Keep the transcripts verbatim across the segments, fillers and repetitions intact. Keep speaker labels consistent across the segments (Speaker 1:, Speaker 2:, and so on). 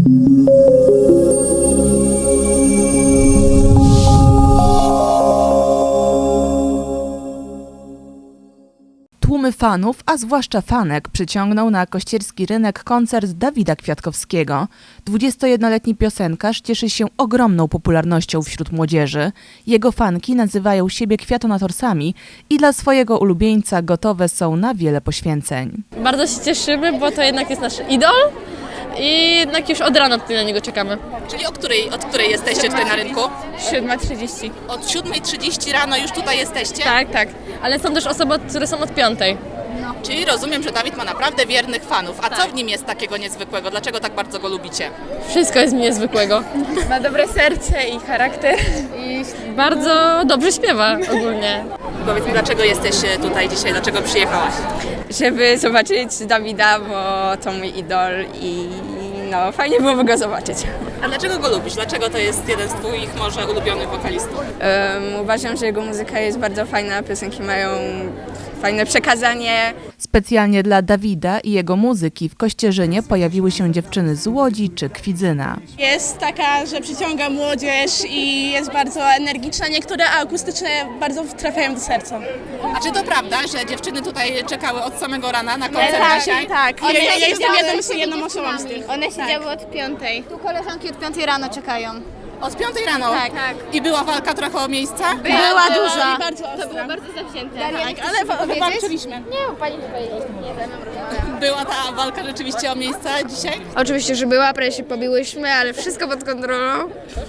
Speaker 1: Tłumy fanów, a zwłaszcza fanek, przyciągnął na kościerski rynek koncert Dawida Kwiatkowskiego. dwudziestojednoletni piosenkarz cieszy się ogromną popularnością wśród młodzieży. Jego fanki nazywają siebie kwiatonatorsami i dla swojego ulubieńca gotowe są na wiele poświęceń.
Speaker 2: Bardzo się cieszymy, bo to jednak jest nasz idol i jednak już od rana tutaj na niego czekamy.
Speaker 3: Czyli o której, od której jesteście tutaj na rynku?
Speaker 2: siódma trzydzieści.
Speaker 3: Od siódmej trzydzieści rano już tutaj jesteście?
Speaker 2: Tak, tak. Ale są też osoby, które są od piątej.
Speaker 3: Czyli rozumiem, że Dawid ma naprawdę wiernych fanów. A co w nim jest takiego niezwykłego? Dlaczego tak bardzo go lubicie?
Speaker 2: Wszystko jest mi niezwykłego.
Speaker 4: Ma dobre serce i charakter.
Speaker 2: I bardzo dobrze śpiewa ogólnie.
Speaker 3: Powiedz mi, dlaczego jesteś tutaj dzisiaj? Dlaczego przyjechałaś?
Speaker 4: Żeby zobaczyć Dawida, bo to mój idol i no fajnie byłoby go zobaczyć.
Speaker 3: A dlaczego go lubisz? Dlaczego to jest jeden z twoich może ulubionych wokalistów?
Speaker 4: Um, uważam, że jego muzyka jest bardzo fajna, piosenki mają fajne przekazanie.
Speaker 1: Specjalnie dla Dawida i jego muzyki w Kościerzynie pojawiły się dziewczyny z Łodzi czy Kwidzyna.
Speaker 5: Jest taka, że przyciąga młodzież i jest bardzo energiczna. Niektóre akustyczne bardzo trafiają do serca.
Speaker 3: A czy to prawda, że dziewczyny tutaj czekały od samego rana na koncert dzisiaj?
Speaker 5: Tak, ja,
Speaker 6: One
Speaker 5: ja jestem
Speaker 6: siedziały
Speaker 5: jedną,
Speaker 6: z tymi
Speaker 5: jedną osobą z
Speaker 6: dziewczynami.
Speaker 5: tych.
Speaker 6: One siedziały od piątej. Tu koleżanki od piątej rano czekają.
Speaker 3: Od piątej rano?
Speaker 6: Tak, tak.
Speaker 3: I była walka trochę o miejsca?
Speaker 5: Była duża. Bardzo
Speaker 6: To było
Speaker 5: ostra.
Speaker 6: bardzo zawzięte.
Speaker 5: Tak, ale wa- walczyliśmy.
Speaker 6: Nie, pani powiedzieć. Nie, ze mną
Speaker 3: Była ta walka rzeczywiście o miejsca dzisiaj?
Speaker 7: Oczywiście, że była, prawie się pobiłyśmy, ale wszystko pod kontrolą.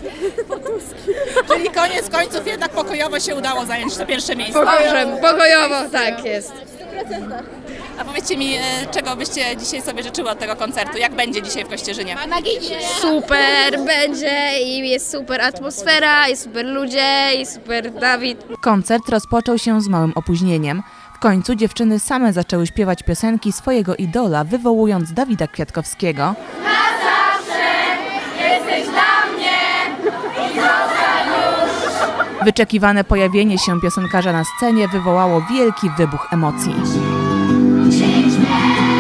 Speaker 3: Czyli koniec końców jednak pokojowo się udało zająć to pierwsze miejsce.
Speaker 7: Pokojowo, pokojowo, tak jest.
Speaker 3: A powiedzcie mi, e, czego byście dzisiaj sobie życzyły od tego koncertu? Jak będzie dzisiaj w Kościerzynie?
Speaker 7: Super będzie i jest super atmosfera, i super ludzie, i super Dawid.
Speaker 1: Koncert rozpoczął się z małym opóźnieniem. W końcu dziewczyny same zaczęły śpiewać piosenki swojego idola, wywołując Dawida Kwiatkowskiego. Wyczekiwane pojawienie się piosenkarza na scenie wywołało wielki wybuch emocji.
Speaker 8: Change man.